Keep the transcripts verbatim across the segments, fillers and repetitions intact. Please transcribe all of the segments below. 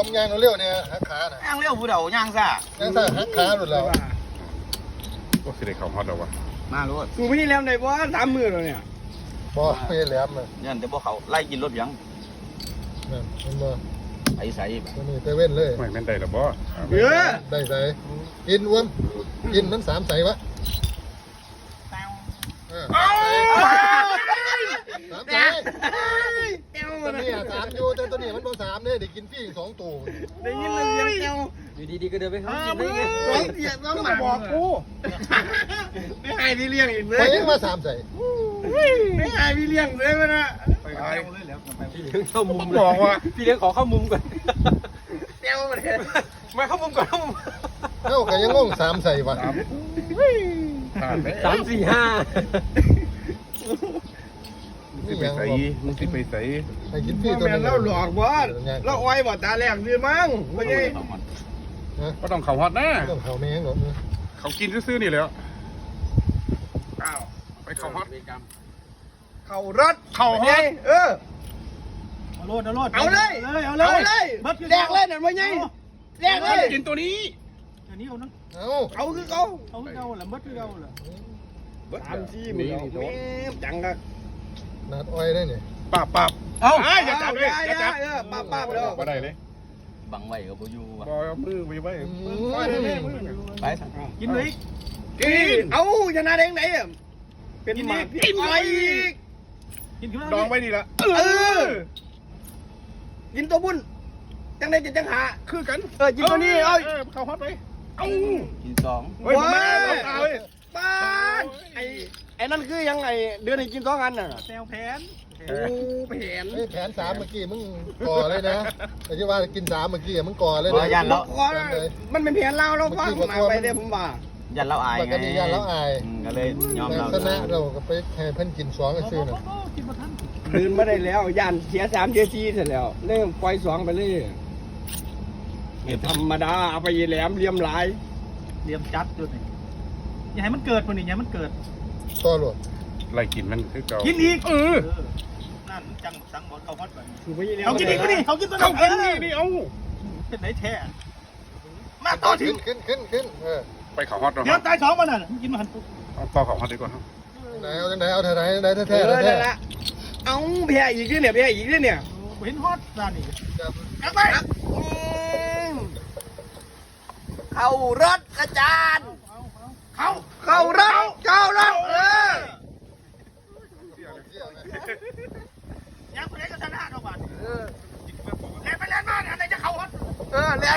อมยางเร็วเนี่ยหักขาน่ะย่างเร็วผู้เฒ่าย่างซ่าย่างซ่าหักขาหลุดแล้วก็คือได้เข้าฮอตแล้ววะมาโลดกูไม่ได้แล้วได้บ่สามมือแล้วเนี่ยบ่ไม่แหลมเลยยันแต่บ่เขาไล่กินรถยังนั่นมันบ่ไอ้ใส่ตัวนี้เตเว่นเลยไม่แม่นได้หรอบ่เออได้ใส่กินอ้วนกินมันสามใส่วะเออสามใส่แก้วตัวนะนี้สามอยู่แต่ตัวนี้มันบ่สามเนี่ยเดี๋ยวกินฟรีอีกสองตัวได้ยินมันเสียงแก้วอยู่ดีๆก็เดินไปหาอ้าวมึงสองเสียงต้องมาบอกกูไม่ให้พี่เลี้ยงอีกเลไปยยังมาสามใส่ไม่ให้พี่เลี้ยงเลยมันนะไปพี่เลี้ยงเข้ามุมบอกว่าพี่เลี้ยงขอเข้ามุมก่อนแก้วมันมาเข้ามุมก่อนเข้ามุมเอ้าก็ยังงงสามใส่วะผ่านไปสามสี่ห้ามึงสิไปใส่มึงสิไปใส่ให้กินฟรีพ่อตัวแม่นึงเราหลอกบ่เราอ้อยบ่ตาแหลกดีมั้งไม่ใช่ก็ต้องเข้าฮอตนะต้องเขาแม่งหรอกเขากินซื่อๆนี่แหล้วอ้าวไปเข้าฮอตเข่ารถเข้าฮอตเออเอาโลดเอาโลดเอาเลยเอาเลย เอาเอาเลยเลยเบิดแดกเลยนั่นไม่ใช่แดกเลยกินตัวนี้อันนี้เอานะเอ้าเอาคือเขาเอาคือเอาละเบิดคือเอาละสามสี่มือแม่จังกันนัดอ้อยได้เนี่ยปาบปาบเอ้าอย่าจับเลยอย่าจับเออป้าป้าเลยบ่ได้เลยบังไว้กับบ่อยู่ว่ะบ่เอามือไปไว้ไปซะกินเลยกินเอาชนะเด้งไหนเป็นหมากินอะไรอีกกินขึ้นมาดองไว้นี่ละเออกินตัวบุญจังได้จะจังหาคือกันเออกินตัวนี้เอ้ยเข้าฮอตไปเอ้ากินสองเฮ้ยมาแล้วตาเว้ยบ้านไอ้ไอ้นั่นคือยังไงเดือนให้กินสองอันน่ะแซวแผนโอ้ไปเห็นเฮ้ยแผนสามเมื่อกี้มึงก่อเลยนะแต่ที่ว่ากินสามเมื่อกี้มึงก่อเลยบ่นะยันแล้วขอมันเป็นเพียนเล่าแล้วฟังมาไปเด้ผมว่ายันเราอายปกติยันแล้วอายก็เลยยอมแต่เราชนะเราก็ไปให้เพิ่นกินสองก็ซื้อน่ะกินมาทันคืนไม่ได้แล้วยันเสียสามเสียสี่เสร็จแล้วเริ่มปล่อยสองไปเลยธรรมดาเอาไปแหลมเลียมหลายเรียมจัดจุดนี่อย่าให้มันเกิดคนนี้อย่าให้มันเกิดต่อหลวดไล่กินมันคือเก่ากินอีกเออนั่นจังสังหมดเขาฮอตไปคือไปแหลมเขากินอีกก็ดิเขากินตัวเขากินเอนี่อนี่เอาเป็นไหนแท้มาต่อถึขึ้งนขึ้นขึ้นขึ้นเออไปเข้าฮอตเดี๋ยวตายสองมันน่ะกินมาหันปุ๊บเอาต่อเข้าฮอตดีกว่าครับไหนเอาจังไหนเอาเท่าไหนไหนแท้เอแท้อแท้นั่นละเอาแพ้อีกด้วยเนี่ยแพ้อีกด้วยเนี่ยเห็นฮอตร้านนี้กลับไปเข้ารถอาจารย์เขาเข้ารถเข้ารถเออยังคนไหนก็ชนะดอกบาทเล่นไปเล่นมาเนี่ยอะไรจะเขาฮอตเออเนี่ย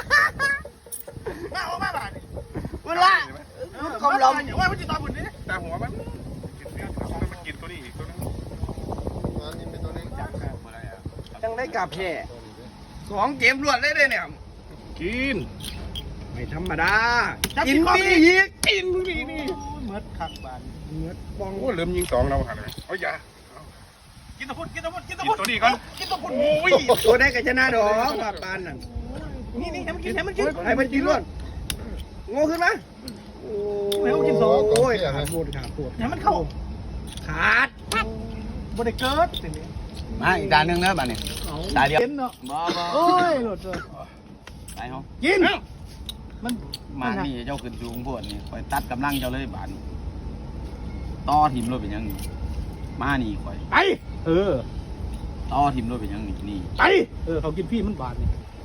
มาเอามาบาทเวลาคำลมว่ามันจะตอนบุญนี่แต่หัวมันกินเนื้อมันกินตัวนี้อีกตัวนึงอันนี้เป็นตัวนี้จังได้กลับแพ้สองเกมรวดเลยเนี่ยกินไม่ธรรมดากินมีอีกกินนี่นี่เหมือนขักบานเนื้อปองโอ้เริ่มยิงสองเราหันเลยเอาอย่ากินตะพุดกินตะพุดกินตะกิพุนดตัวนี้ก่อนกินตะพุดโอ้ยตัวได้กับชนะดอกมาปานนั่นนี่นี่ให้มันกินให้มันกินให้มันกินรวดโง่ขึ้นไหมโอ้ยขาดปวดขาดปวดให้มันเข้าขาดบริเกิดสิ่งนี้มาอีกตาหนึงนะบัดนี้ตาเดียวกินเนาะบ่บ่โอ้ยหลุดเลยไปเฮากินมันมานี่เจ้าขึ้นสูงพวดนี่คอยตัดกำลังเจ้าเลยบาดนี้ต่อทีมรถเป็นยังนี่มานี่คอยไปเออต่อทีมรถเป็นยังนี่นี่ไปเออเขากินพี่มันบาดนี่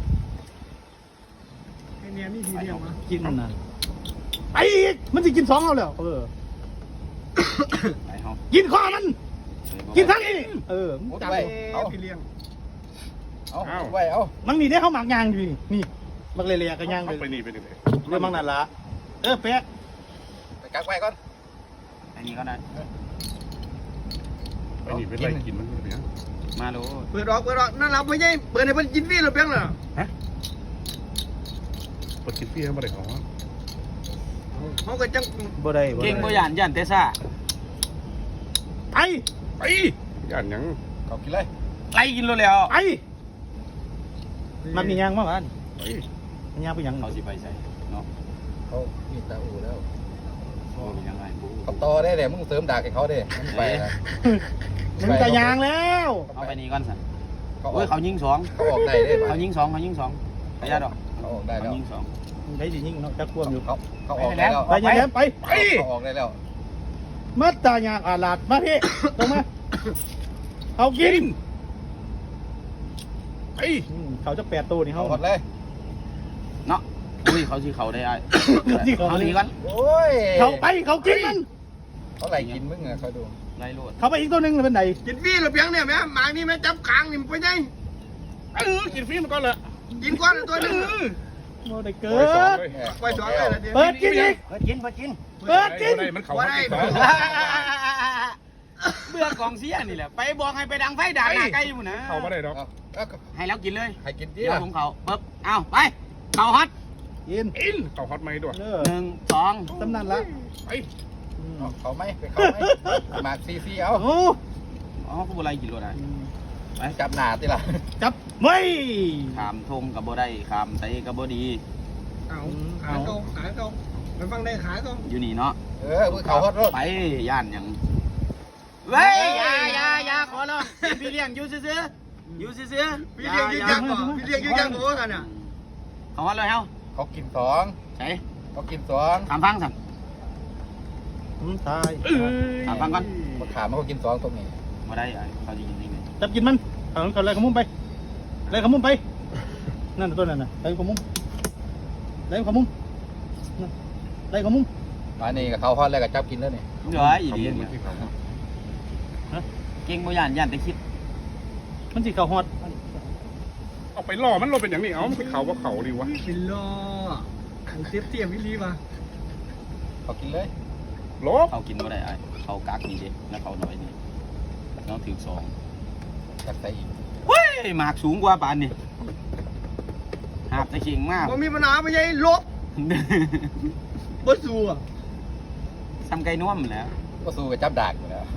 ไอเนี่ยมีทีเดียวมากินนั่นไปอีกมันจะกินสองเอาแล้วเออไปเฮากินข้อมันกินทั้งนี้เออมึงจับเอาพี่เลี้ยงเอาไว้เอามันนี่ได้เข้าหมากยางอยู่นี่นี่มักเลียๆกันยางเอาเลยไปนี่ไปนี่เลยเรื่องมังนั่นละเออแป๊ะไปกักไว้ก่อนอันนี้ก็ได้ไปนี่ไปไล่กินมันเลยนะมาโลเปิดออกเปิดออกนั่นเราไม่ใช่เปิดให้มันกินฟรีหรือเปล่าล่ะปกินพี่เขาไม่ได้ของเขาก็จังบ่ได้เก่งบ่ย่านย่านแต่ซ่าไปไปย่านยังเขากินเลยไล่กินรถแล้วไปมันมียางมั้งอันไปมันยางไปยังเขาสิไปใส่เนาะเขามีตาอูแล้วโอ้ยยังไงบูเขาต่อได้เลยมึงเสริมดากให้เขาดิมึงไปนะมันจะยางแล้วเอาไปนี่ก่อนสั่นเเขาอโอ้อย กเขายิงสองเขาออกได้เลยเขายิงสองเขายิงสองขยันดอกเขาออกได้เขาแล้วยิงสองได้สิยิงเนาะจักควมอยู่เขาเขาออกได้แล้วไปอยังแหลมไปเขาออกได้แล้วมาตายางอาลาดมาพี่ตรงมาเขากินไปอืมเขาจะแปดตัวนี่เขาเขาหมดเลยเนาะอุ้ยเขาสิเขาได้ไอ้ที่เขาเขาดีกันโอ้ยเขาไปเขากินมันเขาไหลกินมึงอะเขาดูไล่โลดเขาไปอีกตัวหนึ่งเป็นไหนกินฟรีหรือเพียงเนี่ยแม่หมากนี่แม่จับขางนี่มันไปไหนเออกินฟรีมันก่อนละกินก้อนตัวนึงโมได้ปเกิล่อยสองดเลยไปสองเลยละเดี๋ยวเปิดกินอีกเปิดกินเปิดกินเปิดกินบ่ได้มันเขามากินสองเบื่อกองเสียนี่แหละไปบอกให้ไปดังไฟด่าหน้าไกลอยู่นะเขาไม่ได้ดอกเอาเอาให้แล้วกินเลยให้กินดิเดี๋ยวผมเขาปึ๊บเอาไปเขาฮอตกินอินเขาฮอตไหมด้วยเออหนึ่งสองตำนานละไปเอาเขาไหมไปเขาไหมหมากซีซีเอาโอ้อ๋อผู้บรกินรถได้จับหนาติล่ะจับไม่ขามทงกับบ่ได้ขามไตกับบ่ดีเอาขาตรงขาตรงมันฟังได้ขาตรงอยู่นี่เนาะเออมึงเขาฮอตรถไปย่านหยังเว้ยอย่าอย่าอย่าขอร้องเป็นพี่เลี้ยงอยู่ซื่อๆอยู่ซื่อๆพี่เลี้ยงยืนยันก่อนพี่เลี้ยงยืนยันโอ้กันอ่ะเขาฮอตเลยเฮาเขากินสองใช่เขากินสองถามฟังสั่งอืมตายเอ้ยถามฟังก่อนมาขามันก็กินสองตรงนี้มาได้อ่ะเขาจะยินยังไงจับกินมันเอาเขาเลยขมุ้มไปเลยขมุ้มไปนั่นตัวนั่นน่ะเลยขมุ้มเลยขมุ้มนั่นเลยขมุ้มอันนี้กับเขาฮอตแล้วก็จับกินแล้วนี่เหลืออีดีเนี่ยเก่งบ่ย่านย่านแต่คิดมันสิเขาฮอดเอาไปล่อมันลงเป็นอย่างนี้เอามันไปเขาว่าเขาดีวะเป็นล้อขังเทียบเทียบวิลีมาเขากินเลยลบเขากินบ่ได้อ่ะเขากักนี่เด้แล้วเขาน้อยนี่น้องถือสองจับใส่อีกเฮ้ยหมากสูงกว่าปานนี่หาบตะเข่งมากบ่มีปัญหาไม่ใช่ลบบ่สู้อ่ะทำไก่น่วมแล้วก็สู้กับจับดากอยู่แล้ว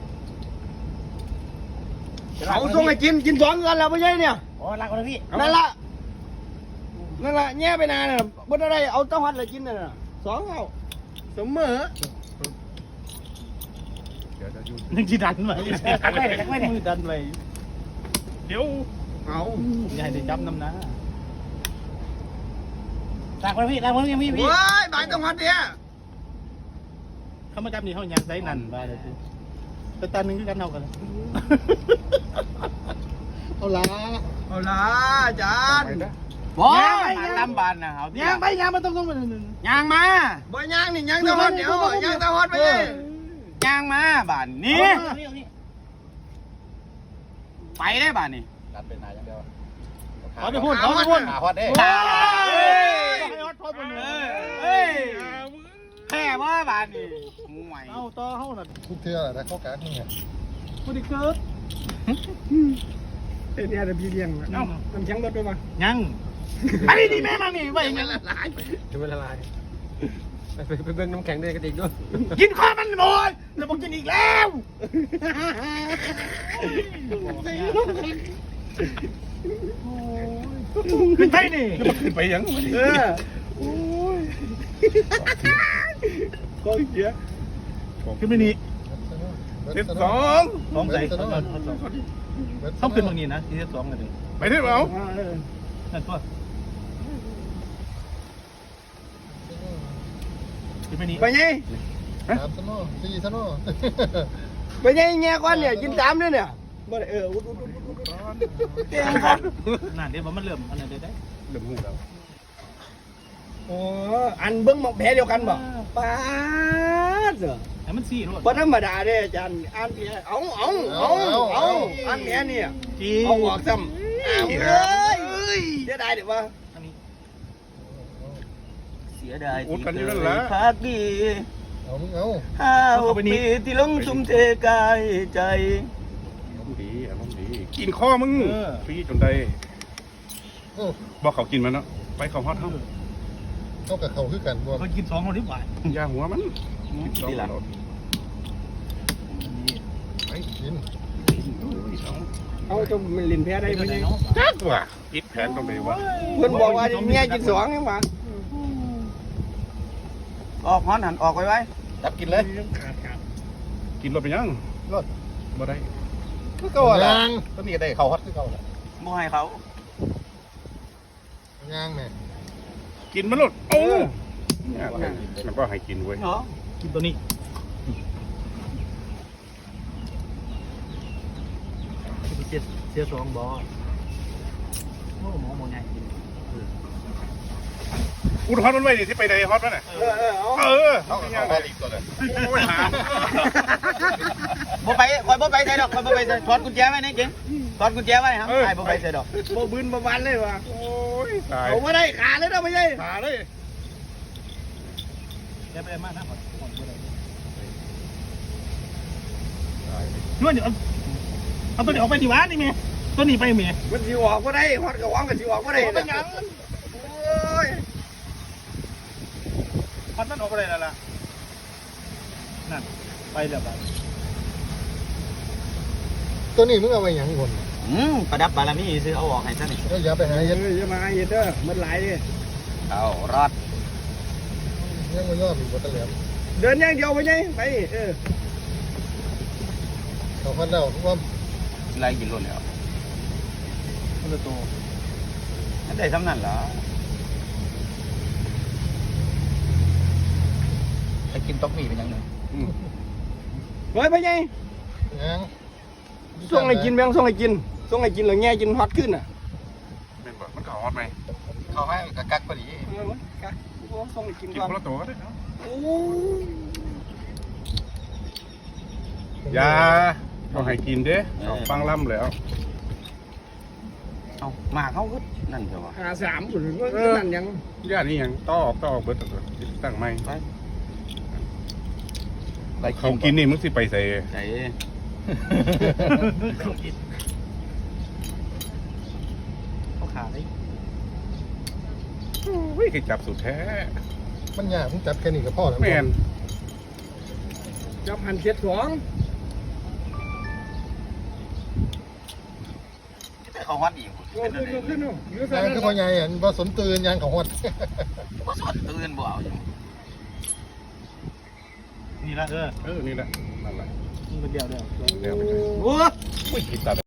เขาส่งให้กินกินสองกันแล้วไม่ใช่เนี่ยโอ้รักคนพี่นั่นละนั่นละแง่ไปนานน่ะบ่ได้เอาเต้าหัดเลยกินน่ะสองเอาเสมอเดี๋ยวจะยุ่งนึกจีดันไว้มือดันไว้เดี๋ยวเอาอย่าให้ได้จับน้ำนะรักคนพี่รักคนพี่พี่เว้ยบายเต้าหัดเนี่ยเขามาจับนี่เขาอยากใส่นั่นบ้าเลยแต่ตาหนึ่งคือกันเท่ากันเอาละเอาล่ะอาจารไปย์นะบอยลำบานนะเอายางไปยางมาต้องต้องมายางมาบ่ย่างนี่ย่างเต้าหัดเดี๋ยวย่างเต้าหัดไปเลยยางมาบานนี้ไปได้บานนี่ดันเป็นนายอย่างเดียวเอาไปพูดเอาไปพูดขาฮอตเด้เฮ้ยแค่ว่าบานนี่ห่วยเอาต่อเขาหน่อยทุกเทื่อแหละนะเขากากนี่ไงพูดดิเกิดเดี๋ยวพี่เลี้ยงเอ้าน้ำแข็งลดด้วยป่ะยังไอ้นี่แม่มานี่ไปยังละลายจะไม่ละลายไปไปเบิ่งน้ำแข็งด้วยกระติกด้วยกินข้าวมันหมดแล้วบอกกินอีกแล้วขึ้นไปนี่ขึ้นไปยังเออก็เสียขึ้นไปนี่สิบสองสองใส่ต้องขึ้นบางนี้นะที่สองกันเลยไปเถอะเอานั่นตัวขึ้นไปนี่ไปไงสามสโน่สี่สโน่ไปไงแง่ก้อนเนี่ยกินสามด้วยเนี่ยบ่ได้เอออุดอุดอุดอุดเตียงครับนั่นเดี๋ยวมันเริ่มอันนั้นได้ได้เริ่มหูแล้วโอ้อันเบิ้งหมอกแผลเดียวกันบ่ป้าดเหรอแต่มันสี่รวดบ่ธรรมดาเด้อาจารย์อ่านแผลเอาเอาเอาเอาอ่านแผลเนี่ยจีเอาออกซ้ำเอาเอ้ยเสียดายเดี๋ยวว่าอันนี้เสียดายอุดกันอยู่นั่นแหละพักดีเอามึงเอาห้าหกปีที่ลงทุ่มเทกายใจอารมณ์ดีอารมณ์ดีกินข้อมึงฟรีจนได้โอ้บอกเขากินมันเนาะไปเขาฮอตเท่าเข้ากับเขาคือกันบ่เขากินสองคนที่หวานยาหัวมันสองที่หลังรถไปกินเอาจนมันลิ้นแผลได้ได้เพิ่นไหนยังเนาะจักว่ะอิดแผนตรงไหนวะเพิ่นบอกว่าแง่กินสองยังว่าออกฮอนหันออกไว้ไว้จับกินเลยกินรถไปยังรถบ่ได้คือเก่าละตัวนี้ได้เขาฮอตคือเก่าละบ่ให้เขาย่างแม่กินมันหลุดโอ้เนี่ยมันก็ให้กินเว้ยเนาะกินตัวนี้เสียเสียสองบอโอ้หมอหมอใหญ่กินอุดฮอตมันไว้ดิที่ไปไหนฮอตมันน่ะเออเออเอาเออเอาเอาเอาเอาเอาอีกตัวเลยโอ้ยหามบ่ไปคอยบ่ไปใส่ดอกคอยบ่ไปใส่ถอดกุญแจไว้นี่จริงถอดกุญแจไว้ครับไอ้บ่ไปใส่ดอกโบบืนประวันเลยว่ะโอ้ยตายเอาไม่ได้ขาเลยนะไม่ใช่ขาเลยแกไปมากนะก่อนก่อนก็ได้นวดเดี๋ยวเอาตัวนี้ออกไปดีวะนี่เมียตัวนี้ไปเมียมันสิออกก็ได้ฮอดกระวังก็สิออกก็ได้เป็นยังโอ้ยพัดมันออกไปเลยแล้วล่ะนั่นไปเดี๋ยวไปตัวนี้มึงเอาไว้หยังคนอืมประดับบารมีซื้อเอาออกให้ซะนี่แล้วอย่าไปหาเฮ้ยเย็ดอย่ามาเย็ดเด้อมันไหลดิเอารอดยังไม่ยอดอีกบ่ตะเหลียมเดินอย่างเดียวไปไงไปเออเขาพันแล้วว่าไล่กินล้นแล้วมันจะโตได้ซ้ำนั่นเหรอไปกินต๊อกมี่เป็นยังไงเฮ้ยไปไงยังส่งให้กินแบงส่งให้กินส่งให้กินแล้วแง่กินฮอตขึ้นอ่ะเป็นบ่มันก็ฮอตไหมเขาให้กักกักพอดีเออมั้ยกะส่งให้กินกินก่อนคนละตัวก็ได้เนาะโอ้ยาเอาให้กินเด้เอาฟังล่ำแล้วเอามาเขาก็นั่นเถอะวะหาสามหรือว่านั่นยังยานี่ยังต่อออกต่อออกเบิดตัวตั้งไม่ไปเขากินนี่มึงสิไปใส่ใส่เขากินเขาขาดเลยวิ่งจับสุดแท้มันยากมึงจับแค่นี้ก็พอแล้วแม่นจับหันเจ็ดสองเขาฮอตอีกโอ้ขึ้นขึ้นนู่นยืดยางคือพ่อใหญ่อ่ะบ่สนตื่นยางเขาฮอดก็สดตื่นบ่เอาอยู่นี่ละเออเออนี่แหละนั่นแหละมันเป็นเดียวเดียวเดี๋ยวไปเลยโอ้อุ้ยกินตัด